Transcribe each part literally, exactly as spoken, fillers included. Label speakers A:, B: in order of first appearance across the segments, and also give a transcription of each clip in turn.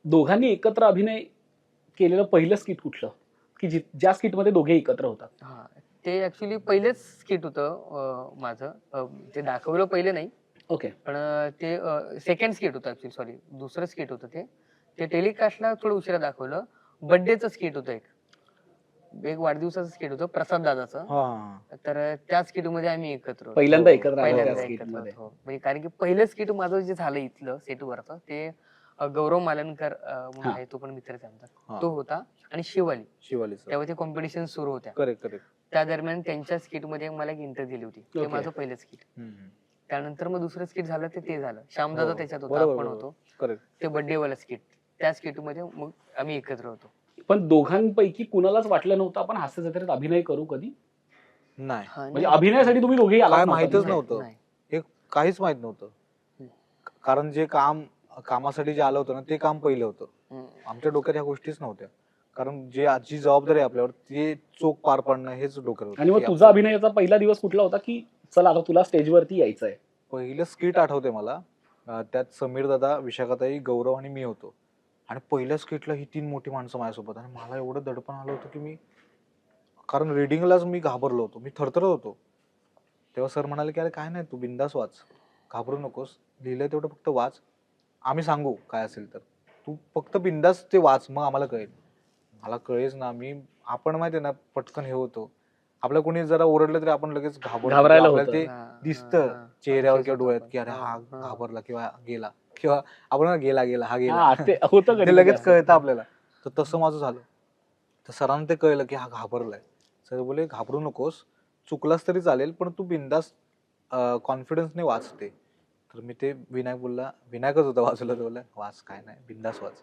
A: दोघांनी एकत्र अभिनय केलेलं पहिलं स्किट कुठलं की जि- ज्या स्किट मध्ये दोघे एकत्र होतात?
B: हा ते ऍक्च्युली पहिलेच स्किट होतं अं, माझं अं, ते दाखवलं पहिले नाही
A: ओके.
B: पण अं, ते सेकंड स्किट होतं ऍक्च्युली सॉरी दुसरं स्किट होतं ते ते टेलिकास्टला थोडं उशिरा दाखवलं. बर्थडेचं स्किट होतं एक एक वाढदिवसाचं स्किट होतं प्रसाद दादाचं.
C: हा
B: तर त्या स्किट मध्ये आम्ही एकत्र होतो.
A: पहिल्यांदा एकत्र आले
B: पहिल्यांदा
A: त्या
B: एकत्र
A: skit मध्ये.
B: होतो. म्हणजे कारण की पहिलं स्किट माझं जे झालं इथलं सेटवरचं ते अं, गौरव मालनकर अं, म्हणून
A: हा.
B: आहे तो पण मित्रच आहे आमचा.
C: हा.
B: तो होता आणि शिवाली
C: शिवाली
B: तेव्हा ते कॉम्पिटिशन सुरू होत्या.
C: Correct correct.
B: त्या दरम्यान त्यांच्या स्किट मध्ये मला एक इंटर दिली होती. ते
A: Okay.
B: माझं पहिलं स्किट. त्यानंतर मग दुसरं स्किट झालं ते ते झालं.
C: हो,
B: श्यामदादा त्याच्यात होता,
C: बरोबर,
B: आपण
C: बरोबर.
B: होतो.
C: करेक्ट.
B: ते बर्थडे वाला स्किट. त्या स्किट मध्ये मग आम्ही एकत्र होतो.
A: पण दोघांपैकी कुणालाच वाटलं नव्हतं आपण हास्य जत्रेत अभिनय करू कधी?
C: नाही
B: हा,
A: म्हणजे
B: नाही.
A: अभिनयासाठी तुम्ही दोघेही आलात
C: काय
A: नव्हता
C: माहीतच
A: तिथे?
C: नव्हतं.
B: नाही.
C: हे काहीच माहित नव्हतं.
B: हम्म.
C: कारण जे काम कामासाठी जे आलं होतं ना ते काम पहिलं होतं.
B: हम्म.
C: आमच्या डोक्यात ह्या गोष्टीच नव्हत्या. कारण जे आजची जबाबदारी आहे आपल्यावर ते चोख पार पाडणं हेच डोक्यात होतं.
A: आणि मग
C: की
A: तुझा
C: आपण-
A: अभिनयाचा पहिला दिवस कुठला होता की चला आता तुला स्टेजवरती यायचंय?
C: पहिलं स्किट आठवते मला. अं, त्यात समीर दादा, विशाखाताई, गौरव आणि मी होतो. आणि पहिल्या स्किटला ही तीन मोठी माणसं माझ्यासोबत आणि मला एवढं दडपण आलं होतं की मी कारण रिडिंगलाच मी घाबरलो होतो. मी थरथरत होतो. तेव्हा सर म्हणाले की अरे काय नाही तू बिंदास वाच, घाबरू नकोस, लिहिलंय तेवढं फक्त वाच, आम्ही सांगू काय असेल तर, तू फक्त बिंदास ते वाच मग आम्हाला कळेल. मला कळेच ना. मी आपण माहितीये ना पटकन हे होतो. आपल्या कोणी जरा ओरडलं तरी आपण लगेच घाबरतो.
A: घाबरायला
C: आपल्याला
A: होतं.
C: ते
B: हा, हा,
C: दिसतं
B: हा.
C: चेहऱ्यावर
B: Anxious
C: किंवा
B: होतो
C: डोळ्यात
B: आपण.
C: की अरे हा
B: हा.
C: घाबरला किंवा गेला किंवा आपण म्हणतो, गेला गेला हा गेला.
A: हा, ते होतं कधी
C: ते लगेच
A: कधी.
C: कळतं आपल्याला. तर तसं माझं झालं. तर सरांना ते कळलं की हा घाबरलाय. सर बोले घाबरू नकोस, चुकलास तरी चालेल पण तू बिंदास कॉन्फिडन्सने वाचते. तर मी ते विनायक बोलला, विनायकच होता वाचलं, तर बोलला वाच काय नाही बिंदास वाच.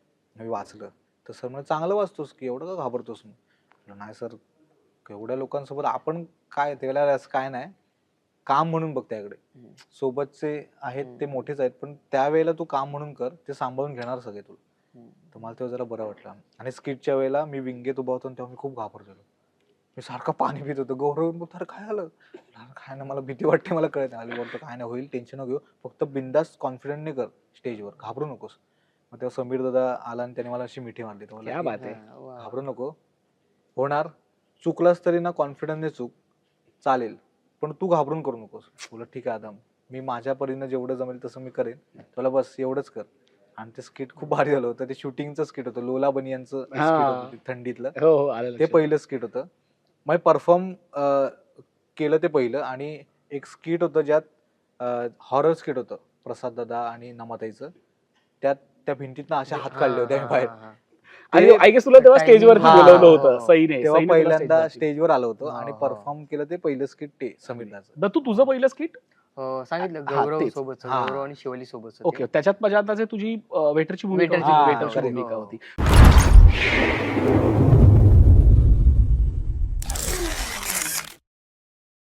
C: मी वाचलं. तर सर म्हणजे चांगलं वाचतोस की एवढं का घाबरतोस? म्हटलं नाही सर, एवढ्या लोकांसोबत आपण काय त्याला असं काय नाही, काम म्हणून बघ त्याकडे.
B: हम्म.
C: सोबतचे आहेत ते मोठेच आहेत पण त्यावेळेला तू काम म्हणून कर, ते सांभाळून घेणार सगळे तुला.
B: हम्म.
C: तर मला तेव्हा जरा बरं वाटलं. आणि स्किटच्या वेळेला मी विंगेत उभा होतो तेव्हा मी खूप घाबरलेलो. मी सारखं पाणी पित होतो. गौरव बघ अरे काय आलं? काय नाही मला भीती वाटते, मला कळत नाही. आली बोलतो काय नाही होईल, टेन्शन नको घेऊ, फक्त बिंदास कॉन्फिडंटने कर स्टेजवर, घाबरू नकोस. मग तेव्हा समीर दादा आला आणि त्याने मला अशी मिठी मारली. तो
A: क्या
C: बोलला
A: बात
C: की,
A: आहे.
B: हा, वा.
C: घाबरू नको, होणार, चुकलास तरी ना कॉन्फिडन्सने चूक, चालेल पण तू घाबरून करू नकोस. बोला ठीक आहे आदम, मी माझ्या परीनं जेवढं जमेल तसं मी करेन, तुला बस एवढंच कर. आणि ते स्किट खूप भारी झालं होतं. ते शूटिंगचं स्किट होतं, लोला बनियांचं स्किट होतं ते थंडीतलं.
A: हो हो आलं
C: ते
A: लक्षात.
C: पहिलं स्किट होतं. मग परफॉर्म केलं ते पहिलं. आणि एक स्किट होतं ज्यात हॉरर स्किट होतं प्रसाद दादा आणि नमाताईचं. त्यात त्या भिंतीतनं अशा हात काढले होते आम्ही बाहेर.
B: हा, हा,
A: आणि
C: ते-
A: आय गेस तुला तेव्हा
B: Timing-
A: स्टेजवरती
C: हा,
A: बोलवलं
C: हो,
A: होतं
B: हो.
A: सईने.
C: तेव्हा
A: सईने तुला
C: पहिल्यांदा
A: स्टेजवरती.
C: स्टेजवर आलो होतो
B: हो,
C: आणि
B: हो.
C: परफॉर्म केलं ते पहिलं स्किट ते समीरनाचं.
A: दत्तू तुझं पहिलं स्किट?
B: हो, सांगितलं
A: हा,
B: गौरव
A: तेच.
B: सोबत
C: हा.
B: गौरव आणि शिवाली सोबत
A: ओके, त्याच्यात माझ्या अंदाजे तुझी वेटरची भूमिका
B: वेटरची
A: होती.
C: भूमिका
A: वेटरची
C: होती.
A: भूमिका
B: हो.
A: होती.